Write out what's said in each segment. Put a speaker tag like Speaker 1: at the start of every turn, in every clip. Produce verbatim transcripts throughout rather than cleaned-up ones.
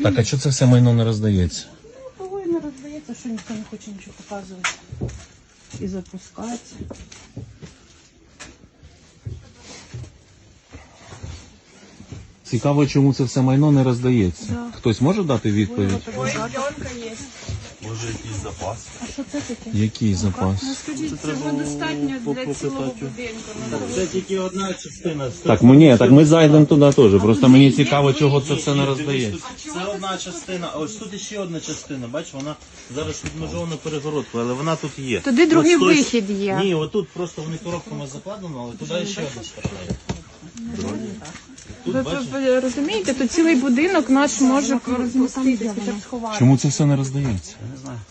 Speaker 1: Так, а чого це все майно не роздається?
Speaker 2: Ну, того і не роздається, що ніхто не хоче нічого показувати і запускати.
Speaker 1: Цікаво, чому це все майно не роздається.
Speaker 2: Да.
Speaker 1: Хтось може дати відповідь?
Speaker 3: Може якийсь запас?
Speaker 2: А що це таке?
Speaker 1: Який запас?
Speaker 2: Скажіть, цього достатньо для цілого будинку.
Speaker 3: Це тільки одна частина.
Speaker 1: Так, мені, так ми зайдемо туди теж. Просто мені цікаво, чого це все не роздається.
Speaker 3: Це одна частина, а ось тут ще одна частина, бач, вона зараз відмежована перегородкою, але вона тут є.
Speaker 2: Туди другий
Speaker 3: Ось той-
Speaker 2: вихід є.
Speaker 3: Ні, отут просто вони коробками закладено, але туди ще одна сторона є. Тут,
Speaker 2: Ви,
Speaker 3: бачиш,
Speaker 2: ви розумієте, тут цілий будинок наш може розміститися, хоча б сховати.
Speaker 1: Чому це все не роздається?
Speaker 3: я не знаю.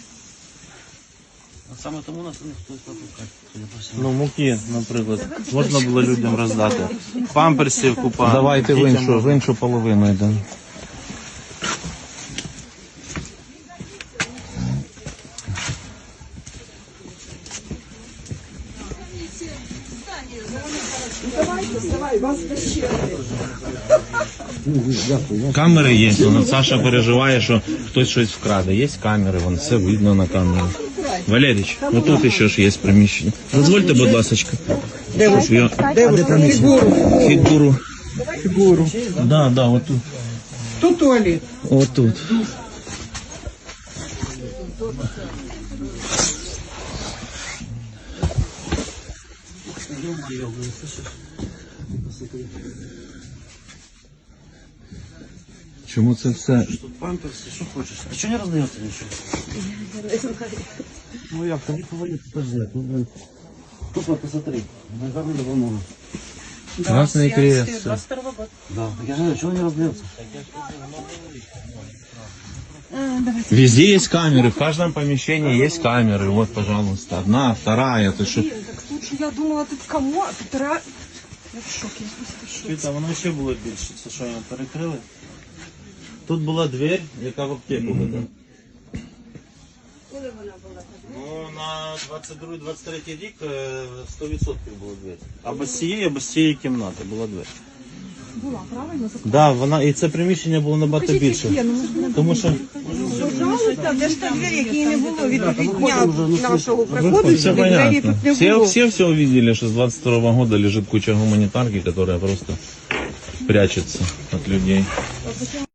Speaker 3: От саме тому нас ніхто не запускає. Ну, муки, наприклад, можна було людям роздати. Памперсів купа.
Speaker 1: Давайте в
Speaker 3: дітям
Speaker 1: іншу, в
Speaker 3: можна.
Speaker 1: іншу половину йдемо. Камери є, вон Саша переживає, що хтось щось вкраде. Є камери, вон все видно на камері. Валерійович, отут ще ж є приміщення. Дозвольте, будь ласка. Щоб я... Фігуру. Фігуру.
Speaker 4: Фігуру.
Speaker 1: Да, да, отут.
Speaker 4: Тут туалет.
Speaker 1: Отут. Чому це все?
Speaker 3: Тут памперси, що хочеш. А чого не роздається нічого? Ну як, то не повинні теж знати. Ну, блин. Тут вот, посмотри, гарна допомога.
Speaker 1: Красний крест. все.
Speaker 3: Да, так я же говорю, чого не роздається?
Speaker 1: Везде есть камеры, в каждом помещении есть камеры. Вот, пожалуйста, одна, вторая. Это что?
Speaker 4: Слушай, я думала, тут кому, а тут ра... Я в шокі, я просто в шокі.
Speaker 3: Світа, воно ще було більше, це що, його перекрили? Тут була двері, яка в аптеку веде. Коли вона була? Ну, на двадцять другий - двадцять третій рік е, сто відсотків було двері. Або з цієї, або з цієї кімнати була двері.
Speaker 4: Була, правильно?
Speaker 3: Так, да, вона, і це приміщення було набагато більше. Тому що
Speaker 4: Пожалуйста, де ж та двері, які не було від дня нашого приходу,
Speaker 1: Все
Speaker 4: сюди двері
Speaker 1: понятно.
Speaker 4: тут не
Speaker 1: Все,
Speaker 4: було.
Speaker 1: все все увидели, что с двадцать второго года лежит куча гуманитарки, которая просто прячется от людей.